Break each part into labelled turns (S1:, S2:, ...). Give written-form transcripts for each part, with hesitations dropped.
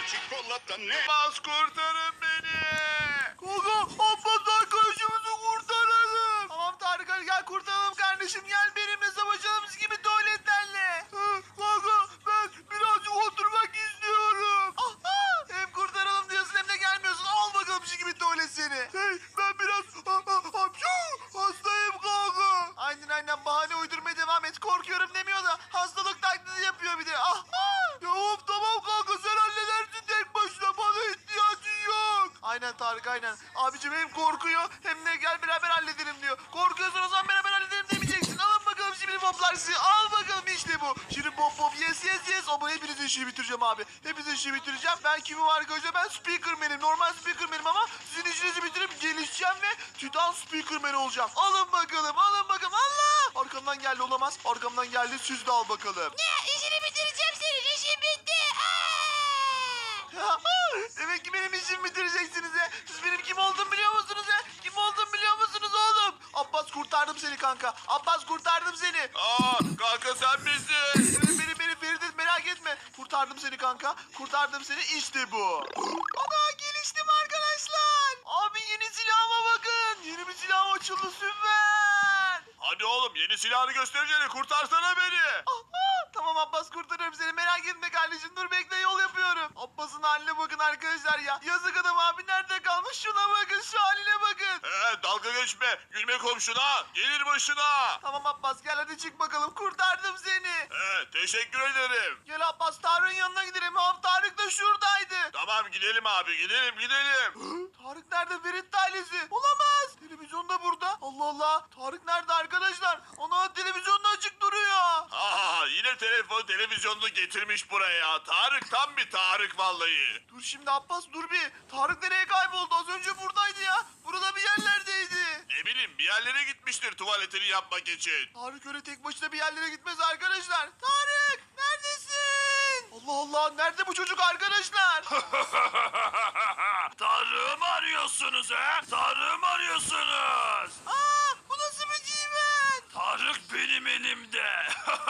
S1: çikolata ne? Bas kurtarın beni.
S2: Kanka Abbas arkadaşımızı kurtaralım. Tamam Tarık hadi gel kurtaralım kardeşim. Gel benimle savaşalım gibi tuvaletlerle. Kanka ben birazcık oturmak istiyorum. Aha! Hem kurtaralım diyorsun hem de gelmiyorsun. Al bakalım şu gibi tuvalet seni. Hey ben biraz hastayım kanka. Aynen bahane uydurmaya devam et. Korkuyorum demiyor da hastalık taklidi yapıyor bir de. Aha! Ya of tamam kanka sen halledersin tek başına. Bana ihtiyacın yok. Aynen Tarık aynen. Abicim hem korkuyor hem de gel beraber halledelim diyor. Korkuyorsan o zaman beraber halledelim demeyeceksin. Alın bakalım şimdi poplar sizi. Al bakalım işte bu. Şimdi pop yes. Ama hepinizin işini bitireceğim abi. Hepinizin işini bitireceğim. Ben kimim arkadaşlar? Ben Speakerman'im. Normal Speakerman'im ama sizin işinizi bitirip gelişeceğim ve Titan Speakerman olacağım. Alın bakalım. Allah! Arkamdan geldi olamaz. Arkamdan geldi siz de al bakalım.
S3: Ne? İşini bitireceğim senin. İşin bitti.
S2: Demek ki benim işimi bitireceksiniz he. Siz benim kim olduğumu biliyor musunuz he? Kim olduğumu biliyor musunuz oğlum? Abbas kurtardım seni kanka. Abbas kurtardım seni.
S1: Kanka sen misin?
S2: Beni Feridun merak etme. Kurtardım seni kanka. Kurtardım seni işte bu. Ana geliştim arkadaşlar. Abi yeni silahıma bakın. Yeni bir silahım açıldı süper.
S1: Hadi oğlum yeni silahını göstereceğini kurtarsana beni.
S2: Tamam Abbas kurtarıyorum seni merak etme kardeşim dur bekle yol yapıyorum. Abbas'ın haline bakın arkadaşlar ya. Yazık adam abi nerede kalmış şuna bakın şu haline bakın.
S1: Dalga geçme. Gülme komşuna. Gelir başına.
S2: Tamam Abbas gel hadi çık bakalım kurtardım seni.
S1: Teşekkür ederim.
S2: Gel Abbas Tarık'ın yanına gidelim. Tarık da şuradaydı.
S1: Tamam gidelim abi gidelim.
S2: Tarık nerede Ferit ailesi? Olamaz. Televizyon da burada. Allah Allah. Tarık nerede arkadaşlar? Ana televizyonda açık duruyor.
S1: Yine televizyonunu getirmiş buraya. Tarık tam bir Tarık vallahi.
S2: Dur şimdi Abbas dur bir. Tarık nereye kayboldu? Az önce buradaydı ya. Burada bir yerlerdeydi.
S1: Ne bileyim bir yerlere gitmiştir tuvaletini yapmak için.
S2: Tarık öyle tek başına bir yerlere gitmez arkadaşlar. Tarık neredesin? Allah Allah nerede bu çocuk arkadaşlar?
S1: Tarık'ı mı arıyorsunuz he? Tarık'ı mı arıyorsunuz?
S2: Bu nasıl bir cimen?
S1: Tarık benim elimde.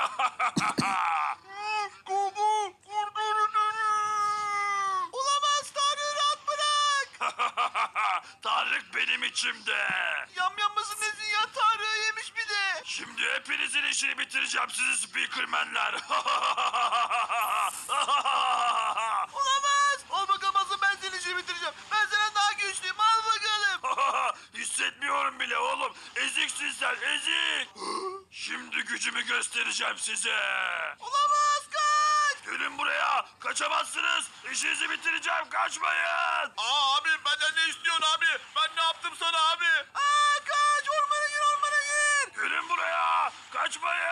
S2: Kubu kurtarın beni. Olamaz Tarık'ı rahat bırak.
S1: Tarık benim içimde.
S2: Yamyammasın nesin ya Tarık'ı yemiş bir de.
S1: Şimdi hepinizin işini bitireceğim sizi speakermenler.
S2: Olamaz. Al bakalım asıl ben senin işini bitireceğim. Ben senden daha güçlüyüm al bakalım.
S1: Hissetmiyorum bile oğlum. Eziksin sen ezik. Şimdi gücümü göstereceğim size.
S2: Olamaz kaç.
S1: Gelin buraya. Kaçamazsınız. İşinizi bitireceğim. Kaçmayın. Abi benden ne istiyorsun abi? Ben ne yaptım sana abi?
S2: Kaç ormana gir.
S1: Gelin buraya. Kaçmayın.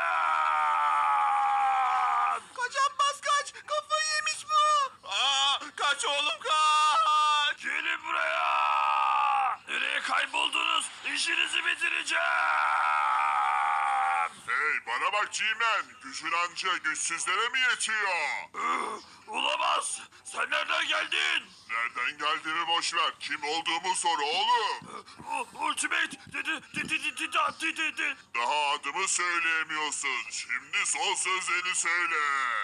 S2: Kaç Abbas kaç. Kafayı yemiş bu.
S1: Kaç oğlum kaç. Gelin buraya. Nereye kayboldunuz? İşinizi bitireceğim.
S4: Hey bana bak G-Man, gücün anca güçsüzlere mi yetiyor?
S1: Olamaz. Sen nereden geldin?
S4: Nereden geldiğimi boş ver, kim olduğumu sor oğlum.
S1: Ultimate.
S4: Daha adımı söyleyemiyorsun, şimdi son sözlerini söyle.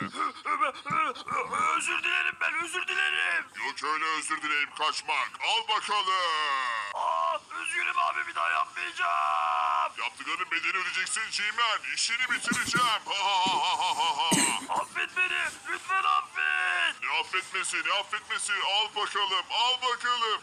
S1: Özür dilerim ben özür dilerim.
S4: Yok öyle özür dileyim kaçmak, al bakalım.
S1: Üzgünüm abi bir daha yapmayacağım.
S4: Yaptıklarının bedelini ödeyeceksin G-Man, işini bitireceğim.
S1: Affet beni lütfen affet.
S4: Ne affetmesi, al bakalım, al bakalım.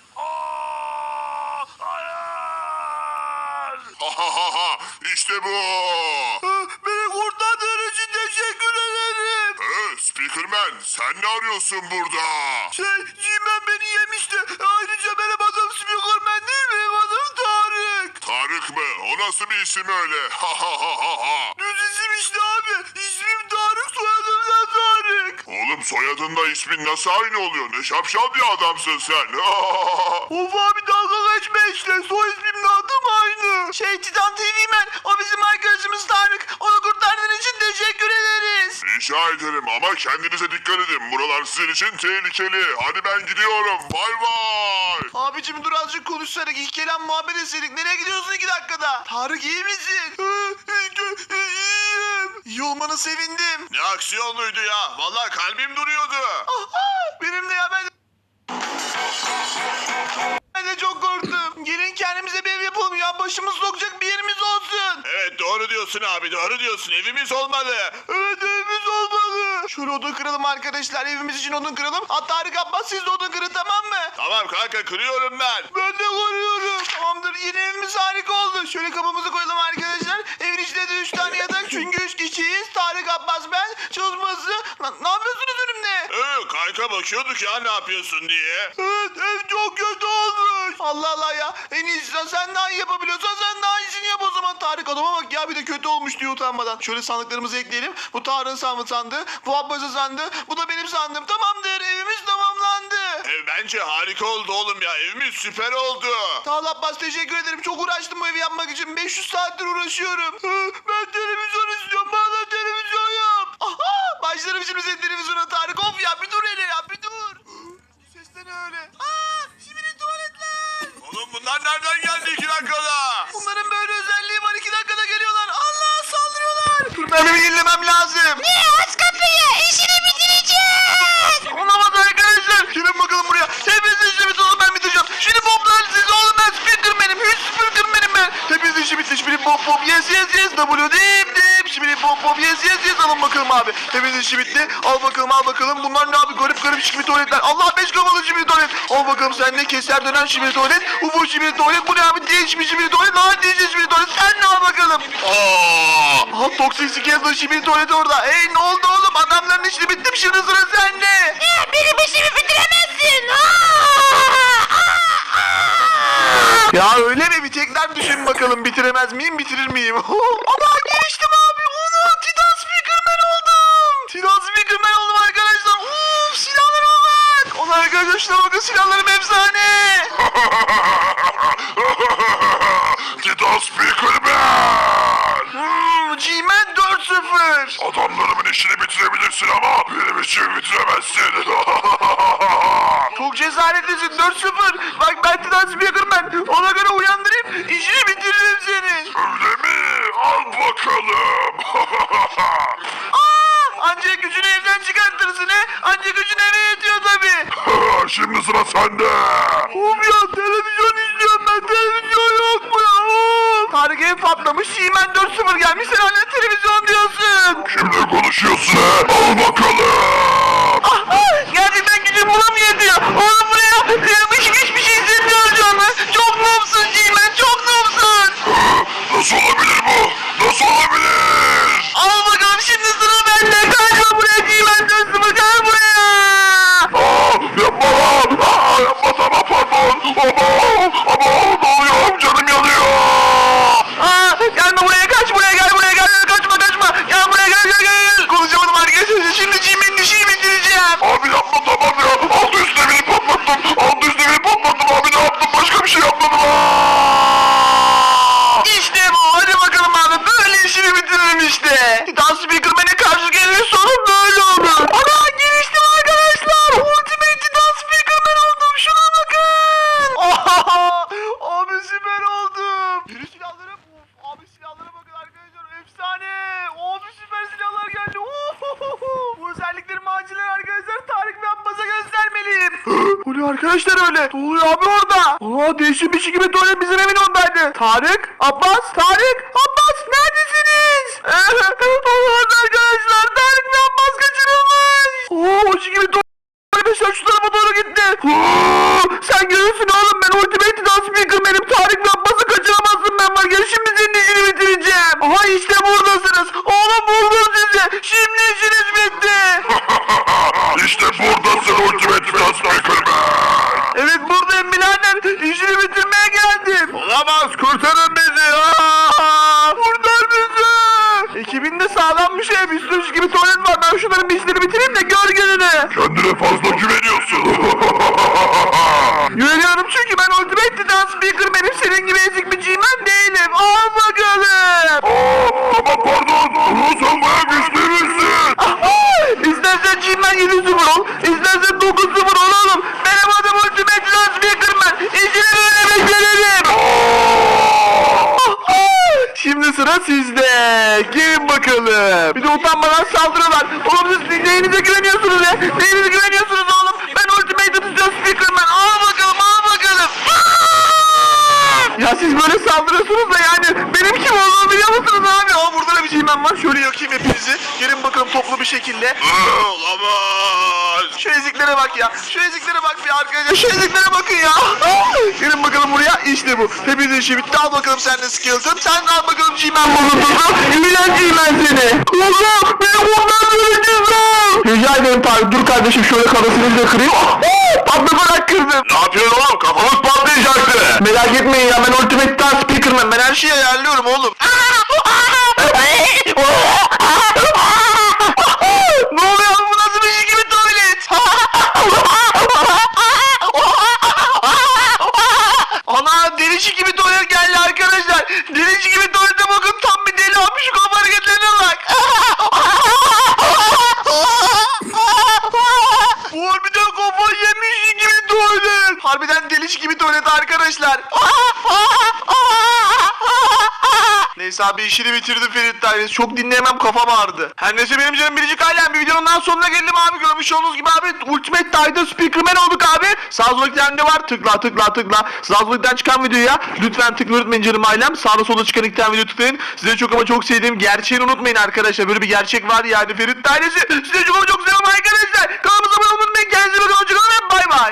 S1: Hayır.
S4: İşte bu.
S2: Beni kurtardığın için teşekkür ederim.
S4: Speakerman, sen ne arıyorsun burada?
S2: Cimen beni yemişti. Ayrıca benim adım Speakerman değil benim adım Tarık.
S4: Tarık mı? O nasıl bir isim öyle?
S2: Düz isim işte abi. İsmim Tarık soyadım da Tarık.
S4: Oğlum soyadınla ismin nasıl aynı oluyor? Ne şapşal bir adamsın sen.
S2: Of abi dalga geçme işte. Soy ismimle adım aynı. Titan TV Man. O bizim arkadaşımız Tarık. Onu kurtardığın için teşekkür ederiz.
S4: Rica ederim ama kendinize dikkat edin. Buralar sizin için tehlikeli. Hadi ben gidiyorum. Bay bay.
S2: Abicim dur azıcık konuşsarak ilk kelam muhabbet etseydik. Nereye gidiyorsun 2 dakikada? Tarık iyi misin? İyiyim. İyi olmana sevindim.
S1: Ne aksiyonluydu ya. Vallahi kalbim duruyordu.
S2: Benim de ya kendimize bir ev yapalım ya. Başımız sokacak bir yerimiz olsun.
S1: Evet doğru diyorsun abi doğru diyorsun. Evimiz olmalı.
S2: Evet evimiz olmalı. Şöyle odun kıralım arkadaşlar. Evimiz için odun kıralım. Hatta Tarık Abbas siz de odun kırın tamam mı?
S1: Tamam kanka kırıyorum ben.
S2: Ben de kırıyorum. Tamamdır yeni evimiz harika oldu. Şöyle kapımızı koyalım arkadaşlar. Evin içinde de 3 tane yatak çünkü 3 kişiyiz. Tarık Abbas ben. Çalışması. Ne yapıyorsunuz önümde?
S1: Kanka bakıyorduk ya ne yapıyorsun diye.
S2: Evet ev çok kötü olmuş. Allah Allah ya. En iyisi sen daha iyi yapabiliyorsan sen daha iyisini yap o zaman. Tarık adama bak ya bir de kötü olmuş diyor utanmadan. Şöyle sandıklarımızı ekleyelim. Bu Tarık'ın sandığı. Bu Abbas'ın sandığı. Bu da benim sandığım. Tamamdır evimiz tamamlandı.
S1: Ev bence harika oldu oğlum ya. Evimiz süper oldu.
S2: Sağ ol Abbas teşekkür ederim. Çok uğraştım bu evi yapmak için. 500 saattir uğraşıyorum. Ben televizyon istiyorum. Bana televizyon yap. Aha, başlarım şimdi senin televizyona Tarık. Of ya bir dur hele ya bir dur. Ses de ne öyle? Şimdi tuvaletler.
S1: Oğlum bunlar nereden geldi 2 dakikada?
S2: Bunların böyle özelliği var. 2 dakikada geliyorlar. Allah saldırıyorlar. Dur ben evi yenilemem lazım.
S3: Ne aç kapıyı işini bitireceğiz.
S2: Olamaz arkadaşlar. Gelin bakalım buraya. Hepinizin işi bitti oğlum ben bitireceğim. Şimdi poplar siz oğlum ben Sprinterman'im. Hiç Sprinterman'im ben. Hepinizin işi bitti. Şimdi pop pop yes yes yes. W dip dip. Şimdi pop pop yes yes yes. Alın bakalım abi. Hepinizin işi bitti. Al bakalım al bakalım. Bunlar ne abi garip garip şibiri tuvaletler. Allah 5 kafalı şibiri tuvalet. Al bakalım sen ne keser dönen şibiri tuvalet. Ufo şibiri tuvalet. Bu ne abi değişmiş şibiri tuvalet. Daha değişmiş şibiri tuvalet. Sen ne al bakalım. Aha toksik skeleton şibiri tuvaleti orada. Hey ne oldu oğlum adamların işi bitti mi şimdi sıra sende.
S3: Benim işimi bitiremezsin.
S2: Ya öyle mi? Bir tekrar düşün bakalım bitiremez miyim bitirir miyim? Ama geliştim abi. Onu Titan Speakerman oldum. Titan Speakerman oldum arkadaşlar. Silahlara bak. Onlar arkadaşlar bakın silahlarım efsane.
S4: Titan Speakerman!
S2: G-Man 4-0.
S4: Adamlarımın işini bitirebilirsin ama benim işimi bitiremezsin.
S2: Çok cesaretlisin 4-0. Bak ben Titan Speakerman. Ona göre uyandırayım. İşini bitiririm senin.
S4: Öyle mi? Al bakalım.
S2: Ancak gücünü evden çıkartırsın he. Ancak gücün eve yetiyor tabii.
S4: Şimdi sıra sende.
S2: Of ya televizyon izliyorum ben. Televizyon yok mu ya? Tarık ev patlamış. G-Man 4-0 gelmiş. Sen hala televizyon diyorsun.
S4: Kimle konuşuyorsun? Al bakalım.
S2: Gerçekten gücüm buna mı yetiyor? Oğlum buraya hiçbir şey hissetmiyorum şu anda. Çok noobsun G-Man. Çok noobsun.
S4: Nasıl olabilir bu? Nasıl olabilir?
S2: Al bakalım şimdi sıra bende. Kaçma buraya G-Man 4-0. Gel buraya.
S4: Yapma lan. Yapma tamam pardon. Ama ne oluyor? Canım yanıyor.
S2: Gelme buraya kaç buraya gel buraya gel. Kaçma. Gel buraya gel. Konuşamadım arkadaşlar. Şimdi G-Man'in işini bitireceğim.
S4: Abi yapma tamam ya. Altı üstüne beni patlattım. Abi ne yaptım? Başka bir şey yapmadım.
S2: İşte bu. Hadi bakalım abi. Böyle işini bitiririm işte. Titan Speakerman'e karşı gelir sorun böyle olur. Ana geliştim arkadaşlar. Ultimate Titan Speakerman oldum. Şuna bakın. Abi süper oldum. Yeni silahlarım. Abi silahlara bakın arkadaşlar. Efsane. Abi süper silahlar geldi. Bu özelliklerimi acilen arkadaşlar Tarık ve Abbas'a göstermeliyim. Bu ne arkadaşlar öyle? Ne oluyor abi orada? Değişik bir şey gibi tuvalet bizim evin oradaydı. Tarık, Abbas, neredesiniz? Olamaz arkadaşlar. Tarık ve Abbas kaçırılmış. O şey gibi arkadaşlar şu tarafa doğru gitti. Sen görürsün oğlum ben Ultimate Titan Speakerman'im. Tarık ve Abbas'ı kaçıramazsın ben var. Gel şimdi senin işini bitireceğim. Aha işte buradasınız. Oğlum buldum sizi. Şimdi işiniz bitti.
S4: İşte buradasın Ultimate Titan Speakerman.
S2: Evet buradayım birader. İşini bitirmeye geldim.
S1: Olamaz kurtarın bizi.
S2: Kurtar bizi. Ekibinde sağlammış ev. Üstüş gibi tuvalet var. Ben şunların bir işleri bitireyim de gör gününü.
S4: Kendine fazla güveniyorsun.
S2: Güveniyorum çünkü ben Ultimate Titan Speakerman'im. Senin gibi ezik bir G-Man değilim. Al bakalım.
S4: Tamam pardon. Sen bayağı güçlü müsün?
S2: İstersen G-Man 7-0 ol. İstersen 9-0 ol oğlum. Benim adım Ultimate Titan Speakerman. İşini böyle beceririm. Şimdi sıra sizde. Gelin bakalım. Bir de utanmadan saldırıyorlar. Oğlum siz neyinize güveniyorsunuz ya? Neyinize güveniyorsunuz oğlum? Ben Ultimate Titan Speakerman. Al bakalım. Ya şekilde.
S1: Olamaz.
S2: Şu eziklere bak ya. Şu eziklere bak bir arkadaşlar. Şu eziklere bakın ya. Gelin bakalım buraya. İşte bu. Hepinizin işi bitti. Al bakalım sen de Skeleton. Sen de al bakalım G-Man bulunduğunu. İğrenç G-Man seni. Oğlum benim ondan göreceğiz. Rica ederim Tarık. Dur kardeşim şöyle kafasını da kırayım. Patlatarak kırdım.
S4: Ne yapıyorsun oğlum? Kafamız patlayacaktı.
S2: Merak etmeyin ya ben Ultimate Star Speaker'ım. Ben her şeyi ayarlıyorum oğlum. Ne oluyor? Bu nasıl bir şey gibi tuvalet? Ana delici gibi tuvalet geldi arkadaşlar. Delici gibi tuvalete bakın tam bir deli olmuş. Şu kafa hareketlerine bak. Bu harbiden kafa yemiş gibi tuvalet. Harbiden delici gibi tuvalet arkadaşlar. Neyse abi işini bitirdim Ferit Dairesi. Çok dinleyemem kafam ağrıdı. Her neyse benim canım biricik ailem. Bir videonun daha sonuna geldim abi. Görmüş olduğunuz gibi abi Ultimate Titan Speakerman olduk abi. Sağ soldaki var. Tıkla. Sağ soldakiden çıkan videoya lütfen tıklayın unutmayın canım ailem. Sağda solda çıkan iki tane video tıklayın. Size çok ama çok sevdiğim gerçeğini unutmayın arkadaşlar. Böyle bir gerçek var yani Ferit Dairesi. Size çok ama çok seviyorum arkadaşlar. Kanalımıza abone olmayı unutmayın. Kendinize bakın. Hoşçakalın ve bay bay.